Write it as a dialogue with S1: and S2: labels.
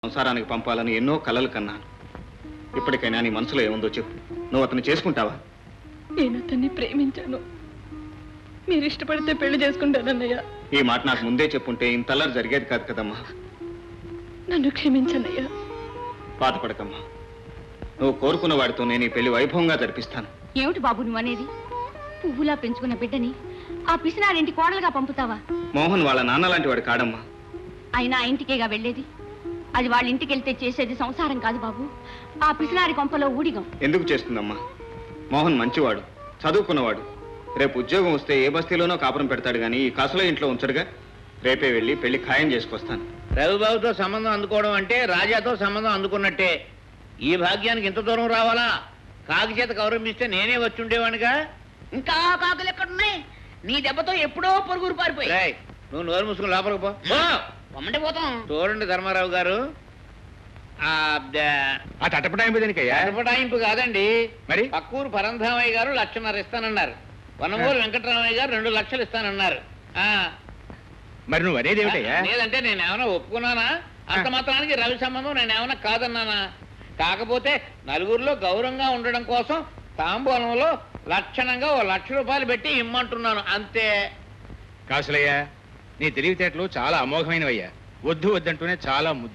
S1: సంసారానికి పంపాలని ఎన్నో కలలు కన్నాను. ఇప్పటికైనా నీ మనసులో ఏముందో చెప్పు. నువ్వు అతన్ని చేసుకుంటావా?
S2: నేను అతన్ని ప్రేమించాను. మీరు ఇష్టపడితే పెళ్లి చేసుకుంటానన్నయ్య.
S1: ఈ మాట నాకు ముందే చెప్పుంటే ఇంతల్లరి జరిగేది కాదు కదమ్మా.
S2: నన్ను క్షమించన్నయ్యా.
S1: బాధపడకమ్మా. నువ్వు కోరుకున్న వాడితో నేను ఈ పెళ్లి వైభవంగా జరిపిస్తాను.
S3: ఏమిటి బాబు నువ్వు అనేది? పువ్వులా పెంచుకున్న బిడ్డని ఆ పిసినారింటి కోడలుగా పంపుతావా?
S1: మోహన్ వాళ్ళ నాన్న లాంటి వాడు కాడమ్మా.
S3: అయినా ఆ ఇంటికేగా వెళ్ళేది. అది వాళ్ళ ఇంటికి వెళ్తే చేసేది సంసారం కాదు బాబు, ఆ పిసినారి కొంపలో ఊడిగం.
S1: ఎందుకు చేస్తుందమ్మా? మోహన్ మంచివాడు, చదువుకున్నవాడు. రేపు ఉద్యోగం వస్తే ఏ బస్తీలోనో కాపురం పెడతాడు గానీ ఈ కాసులో ఇంట్లో ఉంచడుగా. రేపే వెళ్ళి పెళ్లి ఖాయం చేసుకొస్తాను.
S4: రవిబాబుతో సంబంధం అందుకోవడం అంటే రాజాతో సంబంధం అందుకున్నట్టే. ఈ భాగ్యానికి ఇంత దూరం రావాలా? కాకి చేత గౌరవిస్తే నేనే వచ్చి ఉండేవాడిగా.
S5: ఇంకా కాకులు ఎక్కడున్నాయి? నీ దెబ్బతో ఎప్పుడో పొరుగురు పారిపోయి.
S4: రేయ్, నువ్వు నోరు మూసుకుని లోపలికి పో.
S5: పొమ్మంటే పోతాం.
S4: చూడండి ధర్మారావు గారు,
S1: ఆ తటపటాయింపు దేనికయ్యా?
S4: అడపటాయింపు కాదండి.
S1: మరి?
S4: పక్కూరు పరంధామయ్య గారు 1,50,000 ఇస్తానన్నారు. వనమూరు వెంకటరామయ్య గారు 2,00,000 ఇస్తానన్నారు.
S1: మరి నువ్వు అనేది
S4: లేదంటే నేను ఏమైనా ఒప్పుకున్నానా? అంత మాత్రానికి రవి సంబంధం నేను ఏమైనా కాదన్నానా? కాకపోతే నలుగురిలో గౌరవంగా ఉండడం కోసం తాంబూలంలో లక్షణంగా 1,00,000 రూపాయలు పెట్టి ఇమ్మంటున్నాను అంతే.
S6: కాసులయ్యా, నీ తెలివితేటలు చాలా అమోఘమైనవయ్యా. వద్దు వద్దంటూనే చాలా